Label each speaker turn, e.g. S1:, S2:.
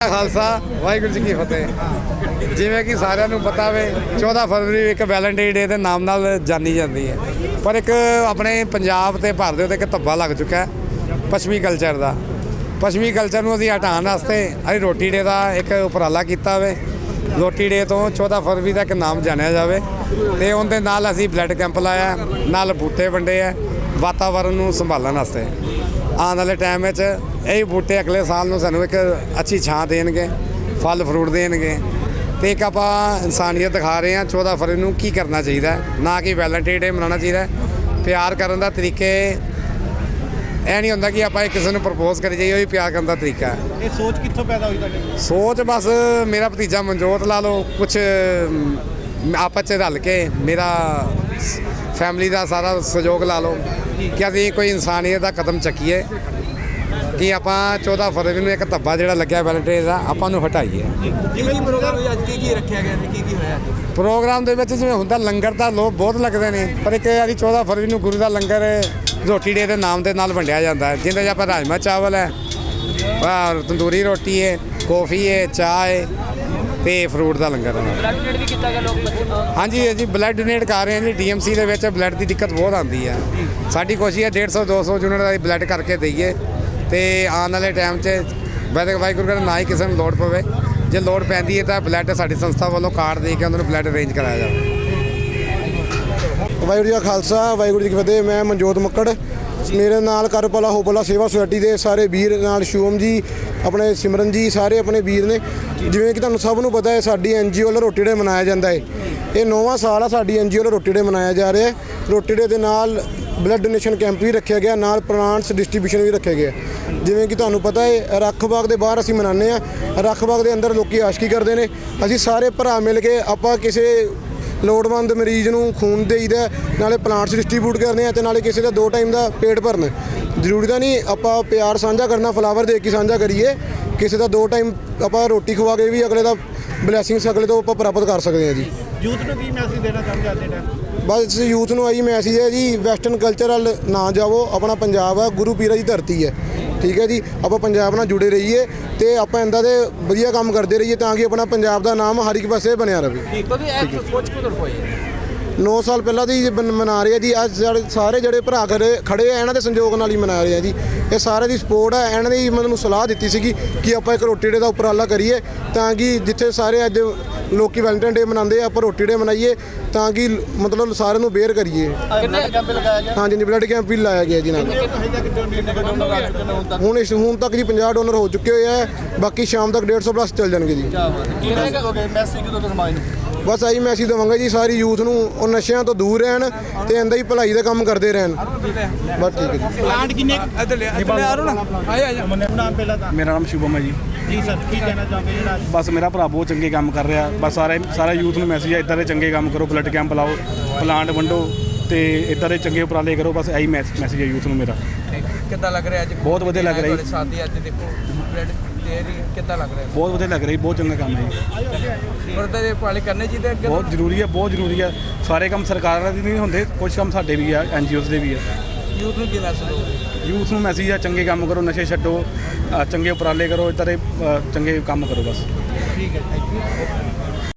S1: ਖਾਲਸਾ ਵਾਹਿਗੁਰੂ ਜੀ ਕੀ ਫਤਿਹ। ਜਿਵੇਂ ਕਿ ਸਾਰਿਆਂ ਨੂੰ ਪਤਾ ਵੇ 14 ਫਰਵਰੀ ਇੱਕ ਵੈਲੈਂਟਾਈਨ ਡੇ ਦੇ ਨਾਮ ਨਾਲ ਜਾਣੀ ਜਾਂਦੀ ਹੈ, ਪਰ ਇੱਕ ਆਪਣੇ ਪੰਜਾਬ ਤੇ ਭਾਰਤ ਦੇ ਉੱਤੇ ਇੱਕ ਧੱਬਾ ਲੱਗ ਚੁੱਕਾ ਹੈ ਪੱਛਮੀ ਕਲਚਰ ਦਾ। ਪੱਛਮੀ ਕਲਚਰ ਨੂੰ ਅਸੀਂ ਹਟਾਉਣ ਵਾਸਤੇ ਅਸੀਂ ਰੋਟੀ ਡੇ ਦਾ ਇੱਕ ਉਪਰਾਲਾ ਕੀਤਾ ਵੇ। ਰੋਟੀ ਡੇ ਤੋਂ 14 ਫਰਵਰੀ ਦਾ ਇੱਕ ਨਾਮ ਜਾਣਿਆ ਜਾਵੇ ਅਤੇ ਉਹਦੇ ਨਾਲ ਅਸੀਂ ਬਲੱਡ ਕੈਂਪ ਲਾਇਆ, ਨਾਲ ਬੂਟੇ ਵੰਡੇ ਆ ਵਾਤਾਵਰਨ ਨੂੰ ਸੰਭਾਲਣ ਵਾਸਤੇ। ਆਉਣ ਵਾਲੇ ਟਾਈਮ ਵਿੱਚ ਇਹ ਬੂਟੇ ਅਗਲੇ ਸਾਲ ਨੂੰ ਸਾਨੂੰ ਇੱਕ ਅੱਛੀ ਛਾਂ ਦੇਣਗੇ, ਫਲ ਫਰੂਟ ਦੇਣਗੇ ਅਤੇ ਇੱਕ ਆਪਾਂ ਇਨਸਾਨੀਅਤ ਦਿਖਾ ਰਹੇ ਹਾਂ 14 ਫਰਵਰੀ ਨੂੰ ਕੀ ਕਰਨਾ ਚਾਹੀਦਾ, ਨਾ ਕਿ ਵੈਲੈਂਟਾਈਨ ਡੇ ਮਨਾਉਣਾ ਚਾਹੀਦਾ। ਪਿਆਰ ਕਰਨ ਦਾ ਤਰੀਕੇ ਇਹ ਨਹੀਂ ਹੁੰਦਾ ਕਿ ਆਪਾਂ ਕਿਸੇ ਨੂੰ ਪ੍ਰਪੋਜ਼ ਕਰੀ ਜਾਈਏ, ਉਹ ਵੀ ਪਿਆਰ ਕਰਨ ਦਾ ਤਰੀਕਾ ਹੈ।
S2: ਇਹ ਸੋਚ ਕਿੱਥੋਂ ਪੈਦਾ ਹੋਈ ਤੁਹਾਡੀ?
S1: ਸੋਚ ਬਸ ਮੇਰਾ ਭਤੀਜਾ ਮਨਜੋਤ ਲਾ ਲਓ, ਕੁਛ ਆਪਸ 'ਚ ਰਲ ਕੇ ਮੇਰਾ ਫੈਮਿਲੀ ਦਾ ਸਾਰਾ ਸਹਿਯੋਗ ਲਾ ਲਓ ਕਿ ਅਸੀਂ ਕੋਈ ਇਨਸਾਨੀਅਤ ਦਾ ਕਦਮ ਚੱਕੀਏ ਕਿ ਆਪਾਂ 14 ਫਰਵਰੀ ਨੂੰ ਇੱਕ ਧੱਬਾ ਜਿਹੜਾ ਲੱਗਿਆ ਵੈਲੈਂਟਾਈਨ ਦਾ ਆਪਾਂ ਨੂੰ ਹਟਾਈਏ।
S2: ਜਿਵੇਂ ਪ੍ਰੋਗਰਾਮ ਅੱਜ ਕੀ ਰੱਖਿਆ ਗਿਆ ਤੇ ਕੀ ਹੋਇਆ?
S1: ਪ੍ਰੋਗਰਾਮ ਦੇ ਵਿੱਚ ਜਿਵੇਂ ਹੁੰਦਾ ਲੰਗਰ ਤਾਂ ਲੋਕ ਬਹੁਤ ਲੱਗਦੇ ਨੇ, ਪਰ ਇੱਕ ਅਸੀਂ 14 ਫਰਵਰੀ ਨੂੰ ਗੁਰੂ ਦਾ ਲੰਗਰ ਰੋਟੀ ਡੇ ਦੇ ਨਾਮ ਦੇ ਨਾਲ ਵੰਡਿਆ ਜਾਂਦਾ ਹੈ, ਜਿਹਦੇ 'ਚ ਆਪਾਂ ਰਾਜਮਾ ਚਾਵਲ ਹੈ, ਤੰਦੂਰੀ ਰੋਟੀ ਹੈ, ਕੌਫੀ ਹੈ, ਚਾਹ ਹੈ ਅਤੇ ਫਰੂਟ ਦਾ ਲੰਗਰ ਹੈ।
S2: ਬਲੱਡ ਡੋਨੇਟ ਵੀ ਕੀਤਾ ਗਿਆ ਲੋਕ?
S1: ਹਾਂਜੀ ਜੀ, ਬਲੱਡ ਡੋਨੇਟ ਕਰ ਰਹੇ ਹਾਂ ਜੀ। DMC ਦੇ ਵਿੱਚ ਬਲੱਡ ਦੀ ਦਿੱਕਤ ਬਹੁਤ ਆਉਂਦੀ ਹੈ। ਸਾਡੀ ਕੋਸ਼ਿਸ਼ ਹੈ 150-200 ਯੂਨਿਟ ਦਾ ਬਲੱਡ ਕਰਕੇ ਦਈਏ ਅਤੇ ਆਉਣ ਵਾਲੇ ਟਾਈਮ 'ਚ ਵਾਹਿਗੁਰੂ ਕਹਿੰਦਾ ਨਾ ਹੀ ਕਿਸੇ ਨੂੰ ਲੋੜ ਪਵੇ। ਜੇ ਲੋੜ ਪੈਂਦੀ ਹੈ ਤਾਂ ਬਲੱਡ ਸਾਡੀ ਸੰਸਥਾ ਵੱਲੋਂ ਕਾਰਡ ਦੇ ਕੇ ਉਹਨਾਂ ਨੂੰ ਬਲੱਡ ਅਰੇਂਜ ਕਰਾਇਆ ਜਾਵੇ।
S3: ਵਾਹਿਗੁਰੂ ਜੀ ਕਾ ਖਾਲਸਾ ਵਾਹਿਗੁਰੂ ਜੀ ਕੀ ਫਤਿਹ। ਮੈਂ ਮਨਜੋਤ ਮੱਕੜ, ਮੇਰੇ ਨਾਲ ਕਰਪਾਲਾ ਹੋਪਲਾ ਸੇਵਾ ਸੁਸਾਇਟੀ ਦੇ ਸਾਰੇ ਵੀਰ ਨਾਲ, ਸ਼ੂਮ ਜੀ, ਆਪਣੇ ਸਿਮਰਨ ਜੀ, ਸਾਰੇ ਆਪਣੇ ਵੀਰ ਨੇ। ਜਿਵੇਂ ਕਿ ਤੁਹਾਨੂੰ ਸਭ ਨੂੰ ਪਤਾ ਹੈ ਸਾਡੀ NGO ਵੱਲੋਂ ਰੋਟੀ ਡੇ ਮਨਾਇਆ ਜਾਂਦਾ ਹੈ। ਇਹ 9ਵਾਂ ਸਾਲ ਆ ਸਾਡੀ NGO ਵੱਲੋਂ ਰੋਟੀ ਡੇ ਮਨਾਇਆ ਜਾ ਰਿਹਾ ਹੈ। ਰੋਟੀ ਡੇ ਦੇ ਨਾਲ ਬਲੱਡ ਡੋਨੇਸ਼ਨ ਕੈਂਪ ਵੀ ਰੱਖਿਆ ਗਿਆ, ਨਾਲ ਪਲਾਂਟਸ ਡਿਸਟ੍ਰੀਬਿਊਸ਼ਨ ਵੀ ਰੱਖਿਆ ਗਿਆ। ਜਿਵੇਂ ਕਿ ਤੁਹਾਨੂੰ ਪਤਾ ਹੈ ਰੱਖ ਬਾਗ ਦੇ ਬਾਹਰ ਅਸੀਂ ਮਨਾਉਂਦੇ ਹਾਂ, ਰੱਖ ਬਾਗ ਦੇ ਅੰਦਰ ਲੋਕੀ ਆਸ਼ਕੀ ਕਰਦੇ ਨੇ। ਅਸੀਂ ਸਾਰੇ ਭਰਾ ਮਿਲ ਕੇ ਆਪਾਂ ਕਿਸੇ ਲੋੜਵੰਦ ਮਰੀਜ਼ ਨੂੰ ਖੂਨ ਦੇਈਦਾ, ਨਾਲੇ ਪਲਾਂਟਸ ਡਿਸਟ੍ਰੀਬਿਊਟ ਕਰਦੇ ਆ ਅਤੇ ਨਾਲੇ ਕਿਸੇ ਦਾ 2 ਟਾਈਮ ਦਾ ਪੇਟ ਭਰਨ। ਜ਼ਰੂਰੀ ਤਾਂ ਨਹੀਂ ਆਪਾਂ ਪਿਆਰ ਸਾਂਝਾ ਕਰਨਾ ਫਲਾਵਰ ਦੇ ਕੇ ਸਾਂਝਾ ਕਰੀਏ, ਕਿਸੇ ਦਾ 2 ਟਾਈਮ ਆਪਾਂ ਰੋਟੀ ਖਵਾ ਕੇ ਵੀ ਅਗਲੇ ਦਾ ਬਲੈਸਿੰਗਸ ਅਗਲੇ ਤੋਂ ਆਪਾਂ ਪ੍ਰਾਪਤ ਕਰ ਸਕਦੇ ਹਾਂ ਜੀ।
S2: ਯੂਥ ਨੂੰ ਕੀ ਮੈਸੇਜ ਦੇਣਾ ਚਾਹੁੰਦੇ ਅੱਜ ਦੇ ਟਾਈਮ?
S3: ਬਸ ਯੂਥ ਨੂੰ ਆਹੀ ਮੈਸੇਜ ਹੈ ਜੀ, ਵੈਸਟਰਨ ਕਲਚਰ ਵੱਲ ਨਾ ਜਾਵੋ। ਆਪਣਾ ਪੰਜਾਬ ਆ, ਗੁਰੂ ਪੀਰਾਂ ਦੀ ਧਰਤੀ ਹੈ, ਠੀਕ ਹੈ ਜੀ। ਆਪਾਂ ਪੰਜਾਬ ਨਾਲ ਜੁੜੇ ਰਹੀਏ ਅਤੇ ਆਪਾਂ ਇੱਦਾਂ ਦੇ ਵਧੀਆ ਕੰਮ ਕਰਦੇ ਰਹੀਏ ਤਾਂ ਕਿ ਆਪਣਾ ਪੰਜਾਬ ਦਾ ਨਾਮ ਹਰ ਇੱਕ ਪਾਸੇ ਬਣਿਆ ਰਹੇ। 9 ਸਾਲ ਪਹਿਲਾਂ ਦੀ ਮਨਾ ਰਹੇ ਆ ਜੀ। ਅੱਜ ਸਾਰੇ ਜਿਹੜੇ ਭਰਾ ਖੜੇ ਆ ਇਹਨਾਂ ਦੇ ਸੰਯੋਗ ਨਾਲ ਹੀ ਮਨਾ ਰਹੇ ਆ ਜੀ। ਇਹ ਸਾਰੇ ਦੀ ਸਪੋਰਟ ਹੈ। ਇਹਨਾਂ ਨੇ ਮੈਨੂੰ ਸਲਾਹ ਦਿੱਤੀ ਸੀਗੀ ਕਿ ਆਪਾਂ ਇੱਕ ਰੋਟੀ ਡੇ ਦਾ ਉਪਰਾਲਾ ਕਰੀਏ ਤਾਂ ਕਿ ਜਿੱਥੇ ਸਾਰੇ ਅੱਜ ਲੋਕੀ ਵੈਲੈਂਟਾਈਨ ਡੇ ਮਨਾਉਂਦੇ ਆ, ਆਪਾਂ ਰੋਟੀ ਡੇ ਮਨਾਈਏ ਤਾਂ ਕਿ ਮਤਲਬ ਸਾਰਿਆਂ ਨੂੰ ਬੇਅਰ ਕਰੀਏ। ਹਾਂਜੀ ਜੀ, ਬਲੱਡ ਕੈਂਪ ਵੀ ਲਾਇਆ ਗਿਆ ਜੀ ਨਾਲ। ਹੁਣ ਤੱਕ ਜੀ 50 ਡੋਨਰ ਹੋ ਚੁੱਕੇ ਹੋਏ ਆ, ਬਾਕੀ ਸ਼ਾਮ ਤੱਕ 150 ਪਲੱਸ ਚੱਲ ਜਾਣਗੇ ਜੀ। ਬਸ ਆਹੀ ਮੈਸੇਜ ਦੇਵਾਂਗੇ ਜੀ ਸਾਰੀ ਯੂਥ ਨੂੰ, ਉਹ ਨਸ਼ਿਆਂ ਤੋਂ ਦੂਰ ਰਹਿਣ ਅਤੇ ਇੰਦਾ ਹੀ ਭਲਾਈ ਦਾ ਕੰਮ ਕਰਦੇ ਰਹਿਣ। ਬਸ ਠੀਕ ਹੈ ਜੀ।
S2: ਪਲਾਂਟ ਕਿੰਨੇ ਨਾਮ ਪਹਿਲਾਂ ਤਾਂ?
S4: ਮੇਰਾ ਨਾਮ ਸ਼ੁਭਮ ਹੈ ਜੀ।
S2: ਜੀ ਸਰ, ਕੀ ਕਹਿਣਾ ਚਾਹੁੰਦੇ ਜਿਹੜਾ?
S4: ਬਸ ਮੇਰਾ ਭਰਾ ਬਹੁਤ ਚੰਗੇ ਕੰਮ ਕਰ ਰਿਹਾ। ਬਸ ਸਾਰਾ ਯੂਥ ਨੂੰ ਮੈਸੇਜ ਹੈ ਇੱਦਾਂ ਦੇ ਚੰਗੇ ਕੰਮ ਕਰੋ, ਬਲੱਡ ਕੈਂਪ ਲਾਓ, ਪਲਾਂਟ ਵੰਡੋ ਅਤੇ ਇੱਦਾਂ ਦੇ ਚੰਗੇ ਉਪਰਾਲੇ ਕਰੋ। ਬਸ ਇਹੀ ਮੈਸੇਜ ਹੈ ਯੂਥ ਨੂੰ ਮੇਰਾ।
S2: ਕਿੱਦਾਂ ਲੱਗ ਰਿਹਾ ਅੱਜ?
S4: ਬਹੁਤ ਵਧੀਆ ਲੱਗ ਰਿਹਾ ਜੀ।
S2: ਸਾਥੀ ਅੱਜ ਦੇਖੋ ਬਲੱਡ ਦੇ ਰਹੀ, ਕਿੱਦਾਂ ਲੱਗ ਰਿਹਾ?
S4: ਬਹੁਤ ਵਧੀਆ ਲੱਗ ਰਿਹਾ ਜੀ, ਬਹੁਤ ਚੰਗਾ ਕੰਮ ਹੈ ਜੀ।
S2: ਵਰਦਾ ਦੇ ਉਪਰਾਲੇ ਕਰਨੇ ਚਾਹੀਦੇ ਅੱਗੇ?
S4: ਬਹੁਤ ਜ਼ਰੂਰੀ ਹੈ, ਬਹੁਤ ਜ਼ਰੂਰੀ ਹੈ। ਸਾਰੇ ਕੰਮ ਸਰਕਾਰਾਂ ਦੇ ਨਹੀਂ ਹੁੰਦੇ, ਕੁਝ ਕੰਮ ਸਾਡੇ ਵੀ ਆ, NGOs ਦੇ ਵੀ ਆ।
S2: ਯੂਥ ਨੂੰ ਕੀ ਮੈਸੇਜ ਹੋਵੇ?
S4: ਯੂਥ ਨੂੰ ਮੈਸੇਜ ਹੈ ਚੰਗੇ ਕੰਮ ਕਰੋ, ਨਸ਼ੇ ਛੱਡੋ, ਚੰਗੇ ਉਪਰਾਲੇ ਕਰੋ, ਇੱਦਾਂ ਦੇ ਚੰਗੇ ਕੰਮ ਕਰੋ ਬਸ।
S2: ਠੀਕ ਹੈ, ਥੈਂਕ ਯੂ।